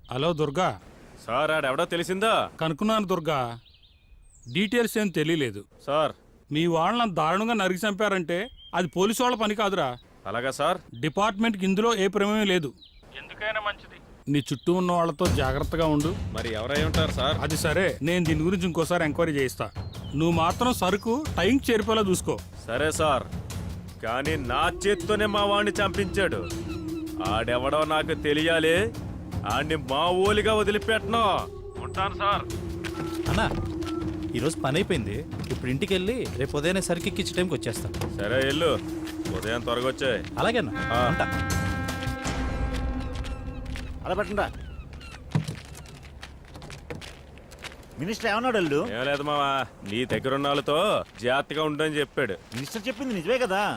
Hello Durga. Sir ఆడెవడో తెలిసిందా? కనుక్కున్నాను Durga, details ఏం తెలియలేదు. సార్ మీ వాళ్ళని దారుణంగా నరికి చంపారంటే అది పోలీసు వాళ్ళ పని కాదురా. అలాగా సార్? డిపార్ట్మెంట్కి ఇందులో ఏ ప్రమేయం లేదు. ఎందుకైనా మంచిది నీ చుట్టూ ఉన్న వాళ్ళతో జాగ్రత్తగా ఉండు. మరి ఎవరై ఉంటారు సార్? అది సరే, నేను దీని గురించి ఇంకోసారి ఎంక్వైరీ చేయిస్తా. నువ్వు మాత్రం సరుకు టైంకి చేరిపోయేలా చూసుకో. సరే సార్, కానీ నా చేత్తోనే మా వాడిని చంపించాడు. ఆడెవడో నాకు తెలియాలి. ఆడిని మా ఊలిగా వదిలిపెట్టను. ఉంటాను సార్. అన్నా, ఈరోజు పని అయిపోయింది. ఇప్పుడు ఇంటికి వెళ్ళి రేపు ఉదయాన్నే సరికి ఎక్కించే టైంకి వచ్చేస్తాను. సరే వెళ్ళు, ఉదయం త్వరగా వచ్చాయి. అలాగే అన్న, ఉంటా. అలా పెట్టండా. మినిస్టర్ ఏమన్నాడు? అల్లు ఏం లేదు మావా, నీ దగ్గర ఉన్న వాళ్ళతో జాగ్రత్తగా ఉండని చెప్పాడు. మినిస్టర్ చెప్పింది నిజమే కదా.